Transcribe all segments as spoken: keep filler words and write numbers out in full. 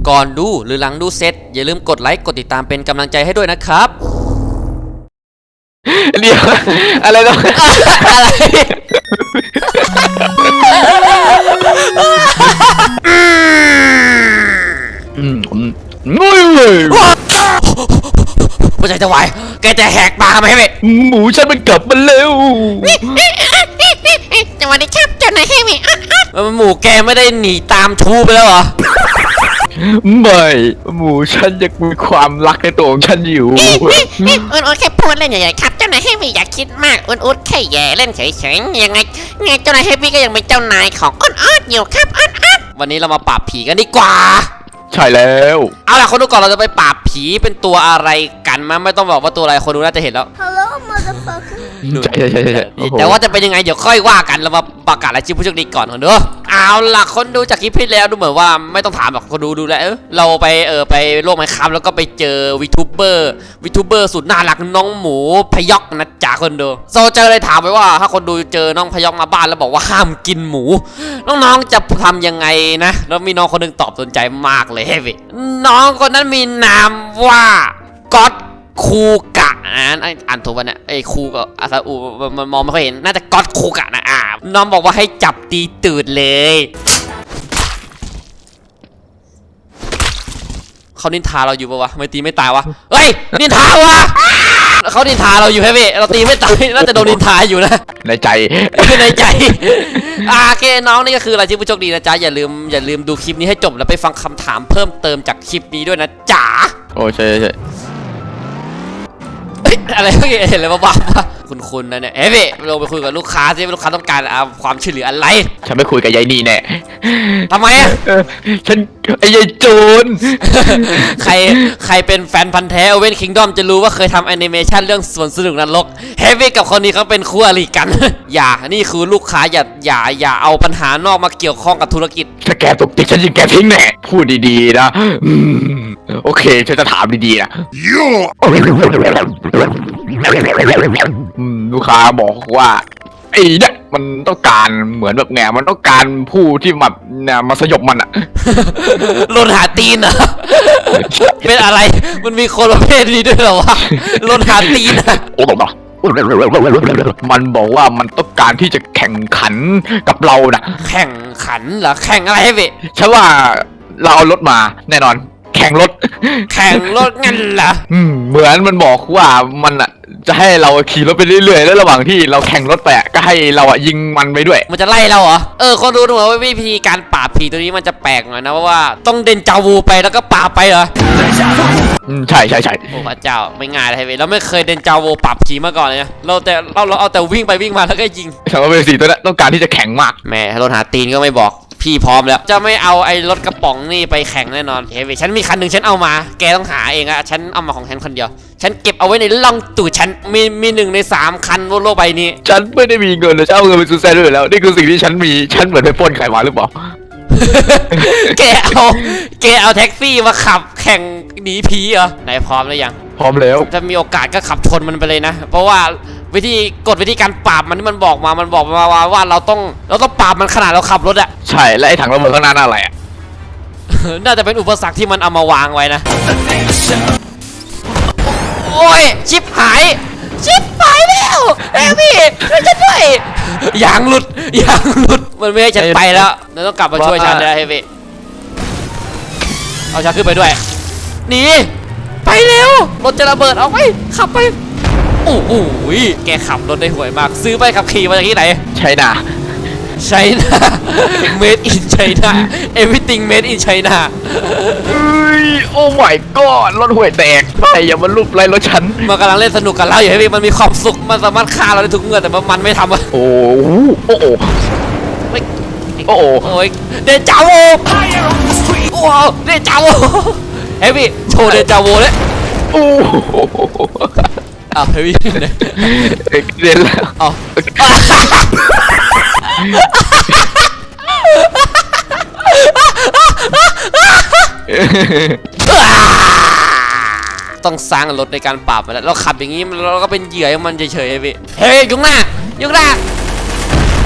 ก่อนดูหรือหลังดูเสร็จอย่าลืมกดไลค์กดติดตามเป็นกำลังใจให้ด้วยนะครับเดี๋ยวอะไรต้องอืมงุ้ยเลยหัวใจจะวายแกจะแหกปากทำไมเว้ยหมูฉันมันกลับมาแล้วสวัสดีครับเจ้านายให้มีหมูแกไม่ได้หนีตามชูไปแล้วเหรอไม่หมูฉันยังมีความรักในตัวของฉันอยู่อุ่นอุ่นแค่พูดเล่นใหญ่ๆครับเจ้านายให้มีอย่าคิดมากอุ่นอุ่นแค่แย่เล่นเฉยๆยังไงไงเจ้านายให้มีก็ยังเป็นเจ้านายของอ้อนอ้อนอยู่ครับอ้อนอ้อนวันนี้เรามาปราบผีกันดีกว่าใช่แล้วเอาล่ะคนดูก่อนเราจะไปปราบผีเป็นตัวอะไรกันมั้ยไม่ต้องบอกว่าตัวอะไรคนดูน่าจะเห็นแล้ว Hello motherfucker ใช่ใช่ใช่แต่ว่าจะเป็นยังไงเดี๋ยวค่อยว่ากันเรามาประกาศรายชื่อผู้โชคดีก่อนคนดูเอาล่ะคนดูจากคลิปที่แล้วดูเหมือนว่าไม่ต้องถามหรอกคนดูดูแล้วเราไปเออไปโลกไมค์ครับแล้วก็ไปเจอวิทูเบอร์วิทูเบอร์สุดน่ารักน้องหมูพยอกนะจ๊ะคนดูโซเจอเลยถามไปว่าถ้าคนดูเจอน้องพยอกมาบ้านแล้วบอกว่าห้ามกินหมูน้องๆจะทำยังไงนะแล้วมีน้องคนนึงตอบสนใจมากเลยเฮ้ยน้องคนนั้นมีนามว่าก๊อตคูกะอ่านอ่านถูกป่ะเนี่ยไอ้คูกับอาซาอูมันมองไม่ค่อยเห็นน่าจะก๊อตคูกะนะอ่าน้องบอกว่าให้จับตีตูดเลยเขานินทาเราอยู่ปะวะไม่ตีไม่ตายวะเฮ้ยนินทาวะเขานินทาเราอยู่แค่เว้ยเราตีไม่ตายน่าจะโดนนินทาอยู่นะในใจในใจอ่าโอเคน้องนี่ก็คือรายชื่อผู้โชคดีนะจ๊ะอย่าลืมอย่าลืมดูคลิปนี้ให้จบแล้วไปฟังคำถามเพิ่มเติมจากคลิปนี้ด้วยนะจ๋าโอ้ใช่ใช่อะไรเมื่อกี้เห็นเลยบ้าๆป่ะคุณคุณนะเนี่ยเฮ้ยเราไปคุยกับลูกค้าสิลูกค้าต้องการความช่วยเหลืออะไรฉันไม่คุยกับยายนี่แน่ทำไมอ่ะฉันไอ้ยายโจรใครใครเป็นแฟนพันธ์แท้เว้นคิงดอมจะรู้ว่าเคยทำแอนิเมชันเรื่องสวนสนุกนรกเฮฟวี่กับคนนี้เขาเป็นคู่อริกันอย่านี่คือลูกค้าอย่าอย่าอย่าเอาปัญหานอกมาเกี่ยวข้องกับธุรกิจถ้าแกตกติดฉันยิงแกทิ้งแน่พูดดีๆนะโอเคฉันจะถามดีๆนะลูกค้าบอกว่าไอ้เนี่ยมันต้องการเหมือนแบบไงมันต้องการผู้ที่แบบเนี่ยมาสยบมันอะลนหาตีนเหรอเป็นอะไรมันมีคนประเภทนี้ด้วยเหรอวะลนหาตีนอะโอ้โหมันบอกว่ามันต้องการที่จะแข่งขันกับเรานะแข่งขันเหรอแข่งอะไรให้เว้ยฉันว่าเราเอารถมาแน่นอนแข่งรถแข่งรถงั้นเหรออืมเหมือนมันบอกว่ามันอ่ะจะให้เราขี่รถไปเรื่อยๆแล้วระหว่างที่เราแข่งรถไปก็ให้เราอ่ะยิงมันไปด้วยมันจะไล่เราเหรอเออคนรู้หนูว่าวิธีการปราบผีตัวนี้มันจะแปลกหน่อยนะเพราะว่าต้องเดินจาวูไปแล้วก็ปราบไปเหรออืมใช่ใช่ใช่โอ้พระเจ้าไม่ง่ายเลยเว้ยเราไม่เคยเดินจาวูปราบผีมาก่อนเลยนะเราแต่เราเราเอาแต่วิ่งไปวิ่งมาแล้วก็ยิงฉันว่าเป็นสีตัวนั้นต้องการที่จะแข่งมากแม่รถหาตีนก็ไม่บอกพี่พร้อมแล้วจะไม่เอาไอ้รถกระป๋องนี่ไปแข่งแน่นอนเฮ้ยฉันมีคันหนึ่งฉันเอามาแกต้องหาเองอะฉันเอามาของฉันคนเดียวฉันเก็บเอาไว้ในล่องตูดฉันมีมีหนึ่งในสามคันบนโลกใบนี้ฉันไม่ได้มีเงินเลยฉันเอาเงินไปซื้อแซนด้วยแล้วนี่คือสิ่งที่ฉันมีฉันเหมือนไปปล้นใครมาหรือเปล่าแกเอาแกเอาแท็กซี่มาขับแข่งหนีผีเหรอไหนพร้อมหรือยังพร้อมแล้วถ้ามีโอกาสก็ขับชนมันไปเลยนะเพราะว่าวิธีกฎวิธีการปราบมันที่มันบอกมามันบอกมาว่าว่าเราต้องเราต้องปราบมันขนาดเราขับรถอะใช่และไอ้ถังระเบิดข้างหน้านั่นอะไรอะน่าจะเป็นอุปสรรคที่มันเอามาวางไว้นะโอ้ยชิปหายชิปหายแล้วเอ้พี่ช่วยฉันด้วยยางหลุดยางหลุดมันไม่ให้ฉันไปแล้วเราต้องกลับมาช่วยฉันแล้วเฮ้พี่เอาฉันขึ้นไปด้วยหนีไปเร็วรถจะระเบิดเอาไปขับไปโอ้โหแกขับรถได้ห่วยมากซื้อไปขับขี่มาจากที่ไหนไชน่าไชน่า made in China everything made in China เอ้ยโอ้ my god รถห่วยแตกไปอย่ามาลุบไล่รถฉันมันกำลังเล่นสนุกกับเราอยู่ให้มันมีความสุขมันสามารถฆ่าเราได้ทุกเมื่อแต่มันไม่ทำอะโอ้โอ้โอ้โอ้โอ้ยเดจาโวโอ้เดจาโวเฮ้ยพี่โชว์เดจาโวเลยโอ้อ้าวเฮ้ยเนี่ยเรียนแล้วอ๋อต้องสร้างรถในการปราบไปแล้วเราขับอย่างนี้เราก็เป็นเหยื่อให้มันเฉยๆพี่เฮ้ยยุงหน้ายุงหน้า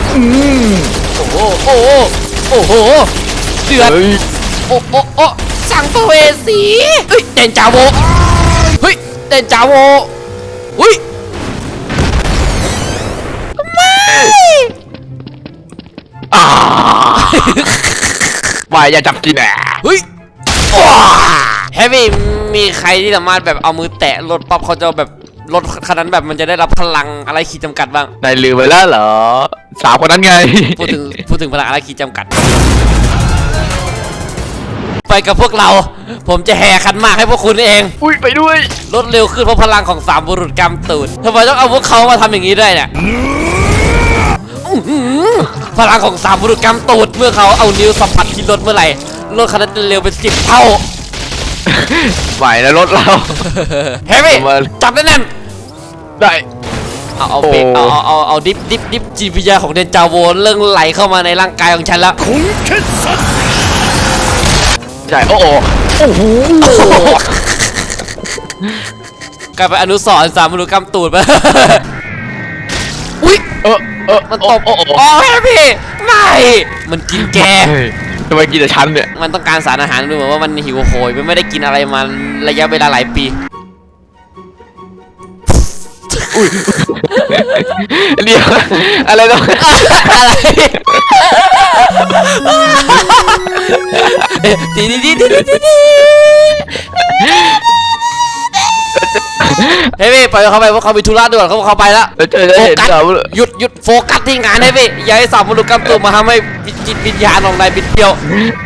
โอ้โหโอ้โหโอ้โหเดือดโอ้โอ้โอ้แซสังเวสีเฮ้ยเดนจาโวเฮ้ยเดนจาโวเฮ้ยไม่อ่าไม่อย่าจับกินอ่ะเฮ้ยเฮฟวี่มีใครที่สามารถแบบเอามือแตะรถป๊อปเขาจะแบบรถคันนั้นแบบมันจะได้รับพลังอะไรขีดจำกัดบ้างนายลืมไปแล้วเหรอสาวคนนั้นไงพูดถึงพูดถึงพลังอะไรขีดจำกัด ไปกับพวกเรา ผมจะแห่คันหมากให้พวกคุณเองอุ้ยไปด้วยรถเร็วขึ้นเพราะพลังของสามบุรุษกำตูดทำไมต้องเอาพวกเขามาทำอย่างนี้ด้วยเนี่ยอื้อหือพลังของสามบุรุษกำตูดเมื่อเขาเอานิ้วสัมผัสที่รถเมื่อไหร่รถคันนั้นจะเร็วเป็นสิบเท่าไหวนะรถเราเฮ้ยมาจับแน่นได้ๆเอาเอาโอ้เบรกเอาเอาเอาเอาดิฟดิฟดิฟจีพียาของเดนจาโวเรื่องไหลเข้ามาในร่างกายของฉันแล้วใช่โอ้โหโอ้โหกลายเป็นอนุสรณ์สามบุรุษกำตูดไป อุ้ยเออเออมันตบโอ้โหอ๋อเฮ้ยพี่ไม่มันกินแกเฮ้ยทำไมกินแต่ชั้นเนี่ยมันต้องการสารอาหารดูเหมือนว่ามันหิวโหยมันไม่ได้กินอะไรมาระยะเวลาหลายปีเดี๋ยวอะไรต้องดีดีดีดีดีดีเฮ้ยพี่ปล่อยเขาไปเพราะเขามีธุระด่วนเขาเขาไปแล้วแล้วเจอจะโฟเห็นกัสเราหยุดหยุดโฟกัสที่งานให้พี่อย่าให้สามมนุษย์กำตัวมาทำให้จิตวิญญาณของนายบิดเบี้ยว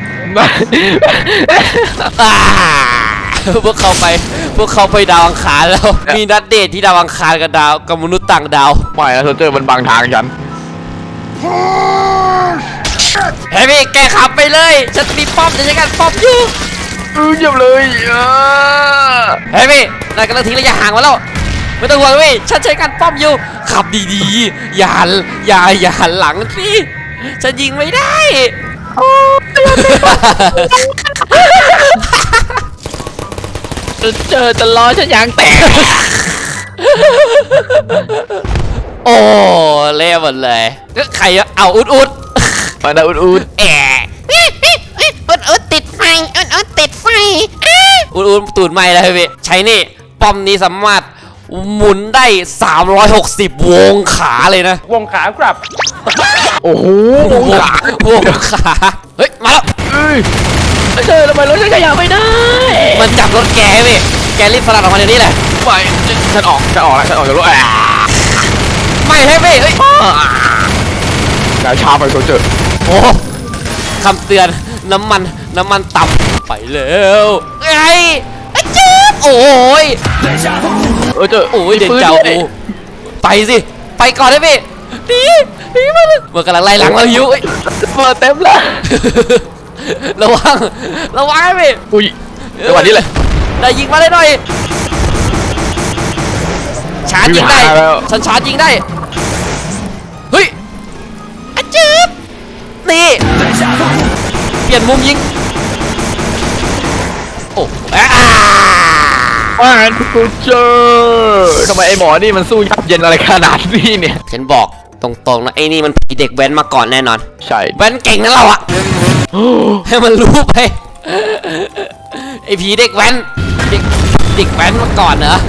อ่าพวกเขาไปพวกเขาไปดาวอังคารแล้ว มีนัดเดทที่ดาวอังคารกับดาวกับมนุษย์ต่างดาวไม่นะเจอมันบังทางฉันเฮ้ยพี่แกขับไปเลยฉันมีป้อมจะใช้การป้อมอยู่เออเยี่ยมเลยอ่าเฮ้ยพี่นายกำลังทิ้งระยะห่างมาแล้วไม่ต้องห่วงพี่ฉันใช้การป้อมอยู่ขับดีๆอย่าหันอย่าอย่าหันหลังสิฉันยิงไม่ได้เจอจะล้อฉันยางแตกโอ้เละหมดเลยก็ใครอะเอาอุดอุดมาดาอุดอุดแอะอุดอุดติดไฟอุดอุดติดไฟอ้าอุดอุดตูดไหม้แล้วพี่ใช้นี่ป้อมนี้สามารถหมุนได้สามร้อยหกสิบวงขาเลยนะวงขาครับโอ้โหวงขาวงขาเฮ้ยมาแล้วเอ้ยเจอทำไมรถฉันขยับไม่ได้มันจับรถแกพี่แกรีบสลัดออกมาเดี๋ยวนี้แหละไม่ฉันออกฉันออกแล้วฉันออกจากรถอ่ะไม่ให้พี่เฮ้ยกาชาไปโซเจอร์โอ้คำเตือนน้ำมันน้ำมันต่ำไปแล้วไอ้ไอ้เจ๊บโอ้ยเออเจอโอ้ยเด่นเจ้าโอ้ไปสิไปก่อนได้พี่หนีหนีมาเลยมันกำลังไล่หลังเราอยู่เอ้ยเปิดเต็มแล้วระวังระวังให้พี่อุ้ยจังหวะนี้เลยได้ยิงมาได้หน่อยชาร์จยิงได้ยิงหาแล้วฉันชาร์จยิงได้เฮ้ยอะจืบนี่เปลี่ยนมุมยิงโอ้อ่าว่ากูเจอทำไมไอหมอนี่มันสู้ยับเย็นอะไรขนาดนี้เนี่ยฉันบอกตรงๆนะไอ้นี่มันผีเด็กแว้นมาก่อนแน่นอนใช่แว้นเก่งนะเราอะให้มันรู้ไปไอ้ผีเด็กแว้นเด็กเด็กแว้นมาก่อนเหรอ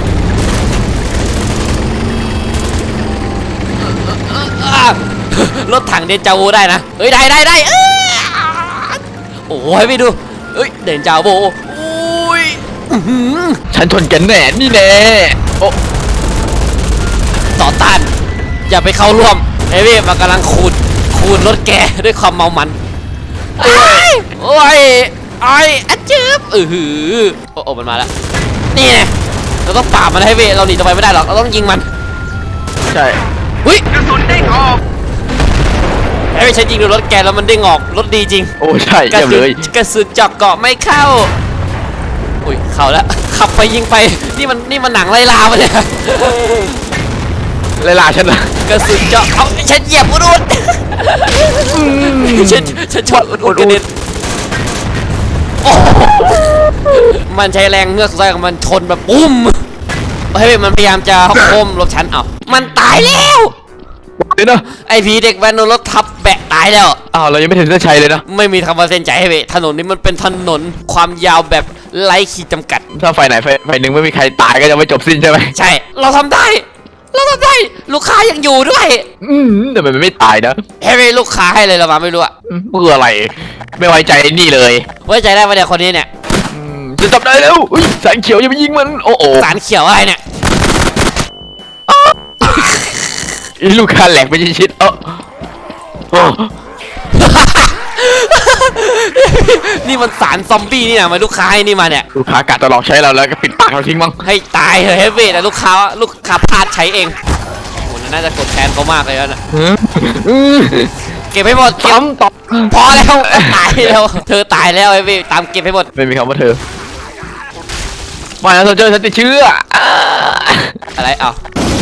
อ่ะรถถังเดนจาโวได้นะเฮ้ยได้ได้ได้เอ้ยโอ้ยไปดูเฮ้ยเดนจาโวอุ้ยอื้อหือฉันชนแกแน่นี่แน่โอ้ต่อต้านอย่าไปเข้าร่วมเฮ้ยพี่มันกำลังขูดขูดรถแกด้วยความเมามันโอ้ยโอ้ยไอ้อะจืบเออหือโอ้โอ้มันมาแล้วนี่ไงเราต้องปราบมันให้พี่เราหนีต่อไปไม่ได้หรอกเราต้องยิงมันใช่หุ้ยกระสุนเด้งออกเฮ้ยฉันยิงโดนรถแกแล้วมันเด้งออกรถดีจริงโอ้ใช่กระเยี่ยมสุเลนยกระสุนเจาะเกาะไม่เข้าอุ้ยเข้าแล้วขับไปยิงไปนี่มันนี่มันหนังไล่ลาไปเนี่ยไล่ล่าฉันนะกระสุนเจาะเอาฉันเหยียบอุดอุดฉันฉันชนอุดอุดกระเด็นโอ้มันใช้แรงเงือกสุดท้ายของมันชนแบบปุ้มเฮ้ยมันพยายามจะโค้มรถฉันเอามันตายแล้วเลยนะไอผีเด็กแว้นโดนรถทับแบะตายแล้วอ้าวเรายังไม่ถึงเส้นชัยเลยนะไม่มีคำว่าเส้นใจให้เว้ยถนนนี้มันเป็นถนนความยาวแบบไร้ขีดจำกัดถ้าไฟไหนไฟไฟหนึ่งไม่มีใครตายก็จะไม่จบสิ้นใช่ไหมใช่ เราทำได้ เราทำได้ ลูกค้ายังอยู่ด้วยอืมแต่มันไม่ตายนะเฮ้ยลูกค้าให้เลยเรามาไม่รู้อะอืมเพื่ออะไร ไม่ไว้ใจไอ้นี่เลยไว้ใจได้ปะเนี่ยคนนี้เนี่ยอืมจะจับได้แล้วอุ๊ยแสงเขียวอย่าไปยิงมันโอ้โหสารเขียวอะไรเนี่ยอีลูกค้าแหลกไปชิดๆเออโอ้นี่มันสารซอมบี้นี่นะมาลูกค้าให้นี่มาเนี่ยลูกค้ากะจะหลอกใช้เราแล้วก็ปิดปากเราทิ้งมั้งให้ตายเถอะเฮฟวี่แต่ลูกค้าลูกค้าพลาดใช้เองโอ้โหน่าจะกดแทนเขามากเลยนะอืมอืมเก็บให้หมดเก็บซ้ำต่อพอแล้วตายแล้วเธอตายแล้วเฮฟวี่ตามเก็บให้หมดไม่มีคำว่าเธอมาแล้วโซเจอร์ฉันติดเชื้ออ่าอะไรอ้าว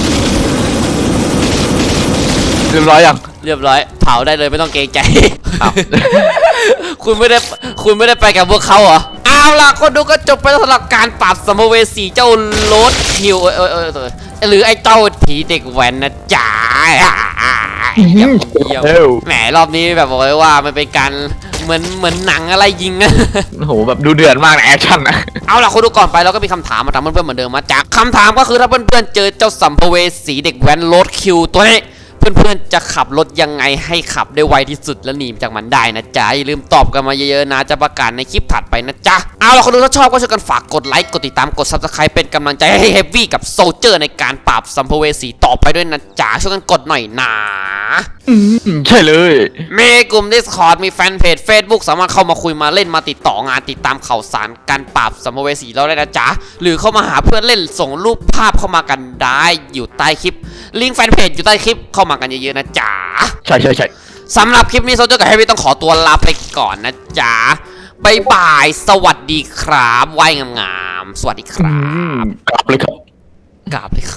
เรียบร้อยยังเรียบร้อยเผาได้เลยไม่ต้องเกรงใจอ้าวคุณไม่ได้คุณไม่ได้ไปกับพวกเขาเหรอเอาล่ะคนดูก็จบไปแล้วสำหรับการปราบสัมภเวสีเจ้าโรดคิวเออเออเออเออหรือไอ้เจ้าผีเด็กแว้นนะจ๊ะเยี่ยมเยี่ยมเอ้าแหมรอบนี้แบบบอกเลยว่ามันเป็นการเหมือนเหมือนหนังอะไรยิงนะโอ้โหแบบดูเดือดมากนะแอคชั่นนะเอาล่ะคุณดูก่อนไปเราก็มีคำถามมาถามเพื่อนๆเหมือนเดิมมาจากคำถามก็คือถ้าเพื่อนๆเจอเจ้าสัมภเวสีเด็กแว้นโรดคิวตัวนี้เพื่อนๆจะขับรถยังไงให้ขับได้ไวที่สุดและหนีจากมันได้นะจ๊ะอย่าลืมตอบกันมาเยอะๆนะจะประกาศในคลิปถัดไปนะจ๊ะเอาล่ะคนดูถ้าชอบก็ช่วยกันฝากกดไลค์กดติดตามกด ซับสไครบ์ เป็นกำลังใจให้เฮฟวี่กับโซลเจอร์ในการปราบสัมภเวสีต่อไปด้วยนะจ๊ะช่วยกันกดหน่อยนะอืมใช่เลยมีกลุ่ม Discord มีแฟนเพจ Facebook สามารถเข้ามาคุยมาเล่นมาติดต่องานติดตามข่าวสารการปราบสัมภเวสีเราได้นะจ๊ะหรือเข้ามาหาเพื่อนเล่นส่งรูปภาพเข้ามากันได้อยู่ใต้คลิปลิงก์แฟนเพจอยู่ใต้คลิปเข้ามากันเยอะๆนะจ๊ะใช่ใช่ใช่สำหรับคลิปนี้โซเจอร์กับเฮฟวี่ต้องขอตัวลาไปก่อนนะจ๊ะบายบายสวัสดีครับไหว้งามๆสวัสดีคอืรับมกลับเลยครับกราบเลยครับ